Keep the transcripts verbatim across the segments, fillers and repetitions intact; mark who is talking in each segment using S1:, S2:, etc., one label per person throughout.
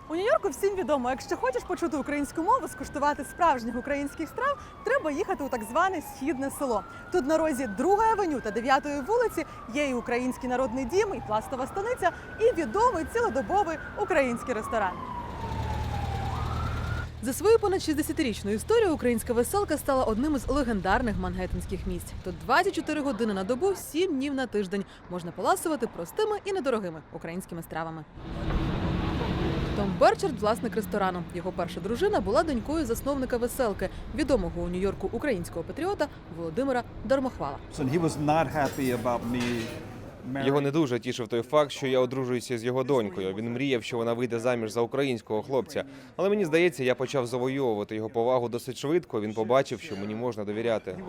S1: У Нью-Йорку всім відомо, якщо хочеш почути українську мову, скуштувати справжніх українських страв, треба їхати у так зване східне село. Тут на розі другої авеню та дев'ятої вулиці є і український народний дім, і пластова станиця, і відомий цілодобовий український ресторан. За свою понад шістдесятирічну історію українська веселка стала одним із легендарних мангеттенських місць. Тут двадцять чотири години на добу, сім днів на тиждень можна поласувати простими і недорогими українськими стравами. Том Берчард – власник ресторану. Його перша дружина була донькою засновника веселки, відомого у Нью-Йорку українського патріота Володимира Дармохвала.
S2: Його не дуже тішив той факт, що я одружуюся з його донькою. Він мріяв, що вона вийде заміж за українського хлопця. Але мені здається, я почав завойовувати його повагу досить швидко. Він побачив, що мені можна довіряти.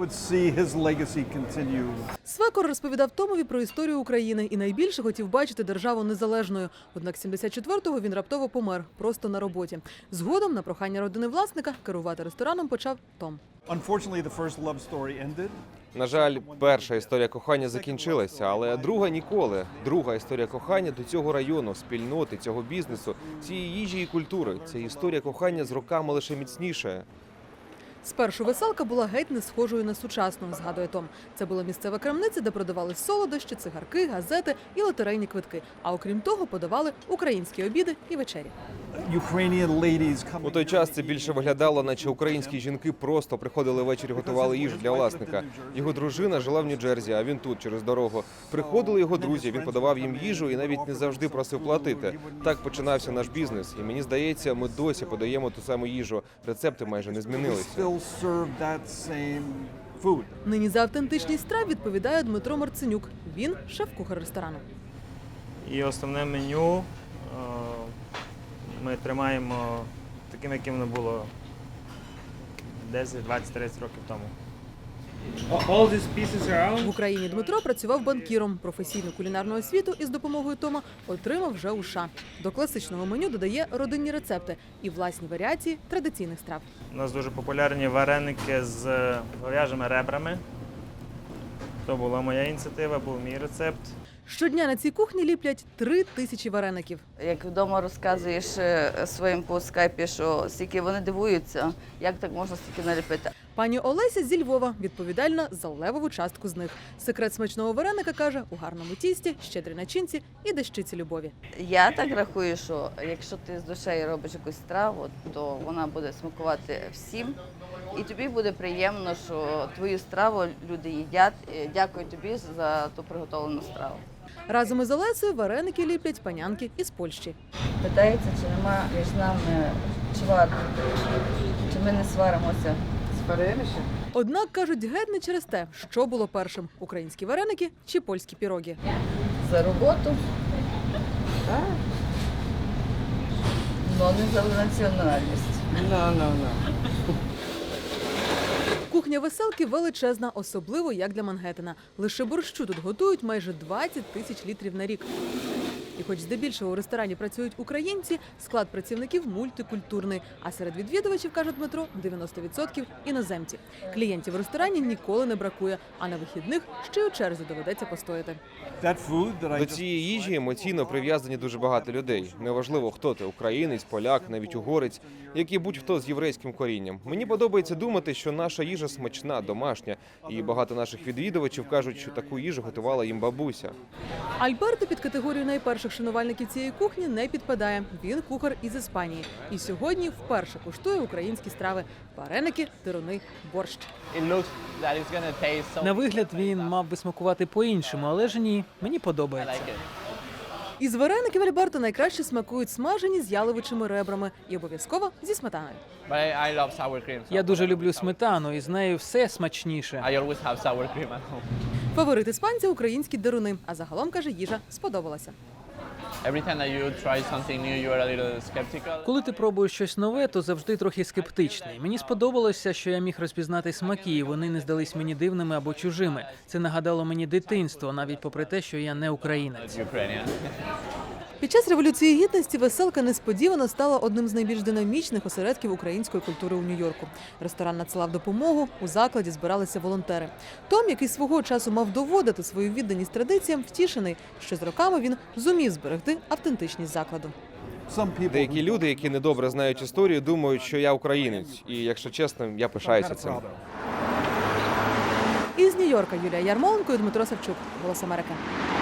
S1: Свекор розповідав Томові про історію України і найбільше хотів бачити державу незалежною. Однак сімдесят четвертого він раптово помер, просто на роботі. Згодом, на прохання родини власника, керувати рестораном почав Том.
S2: На жаль, перша історія кохання закінчилася, але друга ніколи. Друга історія кохання до цього району, спільноти, цього бізнесу, цієї їжі і культури. Ця історія кохання з роками лише міцнішає.
S1: Спершу веселка була геть не схожою на сучасну, згадує Том. Це була місцева крамниця, де продавали солодощі, цигарки, газети і лотерейні квитки. А окрім того, подавали українські обіди і вечері.
S2: У той час це більше виглядало, наче українські жінки просто приходили ввечері, готували їжу для власника. Його дружина жила в Нью-Джерсі, а він тут, через дорогу. Приходили його друзі, він подавав їм їжу і навіть не завжди просив платити. Так починався наш бізнес. І мені здається, ми досі подаємо ту саму їжу. Рецепти майже не змінилися.
S1: Нині за автентичність страв відповідає Дмитро Марценюк. Він – шеф-кухар ресторану.
S3: І основне меню ми тримаємо таким, яким воно було десять, двадцять, тридцять років тому.
S1: В Україні Дмитро працював банкіром. Професійну кулінарну освіту із допомогою Тома отримав вже у США. До класичного меню додає родинні рецепти і власні варіації традиційних страв.
S3: У нас дуже популярні вареники з говяжими ребрами. То була моя ініціатива, був мій рецепт.
S1: Щодня на цій кухні ліплять три тисячі вареників.
S4: Як вдома розказуєш своїм по скайпі, що стільки вони дивуються, як так можна стільки наліпити.
S1: Пані Олеся зі Львова відповідальна за левову частку з них. Секрет смачного вареника, каже, у гарному тісті, щедрій начинці і дещиці любові.
S4: Я так рахую, що якщо ти з душею робиш якусь страву, то вона буде смакувати всім. І тобі буде приємно, що твою страву люди їдять. Дякую тобі за ту приготовлену страву.
S1: Разом із Олесею вареники ліплять панянки із Польщі.
S4: Питається, чи нема між нами чвар, чи ми не сваримося. Сваримося?
S1: Однак, кажуть, геть не через те, що було першим – українські вареники чи польські пірогі.
S4: За роботу, так. Но не за національність.
S5: No, no, no.
S1: Кухня веселки величезна, особливо як для Мангеттена. Лише борщу тут готують майже двадцять тисяч літрів на рік. І хоч здебільшого у ресторані працюють українці, склад працівників мультикультурний. А серед відвідувачів, каже Дмитро, дев'яносто відсотків іноземці. Клієнтів в ресторані ніколи не бракує, а на вихідних ще й у черзі доведеться постояти.
S2: До цієї їжі емоційно прив'язані дуже багато людей. Неважливо, хто ти – українець, поляк, навіть угорець, як і будь-хто з єврейським корінням. Мені подобається думати, що наша їжа смачна, домашня. І багато наших відвідувачів кажуть, що таку їжу готувала їм бабуся.
S1: Альберто під категорію найперших шанувальників цієї кухні не підпадає. Він кухар із Іспанії. І сьогодні вперше куштує українські страви – вареники, дируни, борщ.
S5: На вигляд він мав би смакувати по-іншому, але ж ні, мені подобається.
S1: Із вареників Альберто найкраще смакують смажені з яловичими ребрами і обов'язково зі сметаною.
S5: Я дуже люблю сметану, і з нею все смачніше.
S1: Фаворит іспанця – українські дируни. А загалом, каже, їжа сподобалася.
S5: Коли ти пробуєш щось нове, то завжди трохи скептичний. Мені сподобалося, що я міг розпізнати смаки, і вони не здались мені дивними або чужими. Це нагадало мені дитинство, навіть попри те, що я не українець.
S1: Під час Революції Гідності веселка несподівано стала одним з найбільш динамічних осередків української культури у Нью-Йорку. Ресторан надсилав допомогу, у закладі збиралися волонтери. Том, який свого часу мав доводити свою відданість традиціям, втішений, що з роками він зумів зберегти автентичність закладу.
S2: Деякі люди, які недобре знають історію, думають, що я українець. І, якщо чесно, я пишаюся цим.
S1: Із Нью-Йорка Юлія Ярмоленко і Дмитро Савчук. Голос Америки.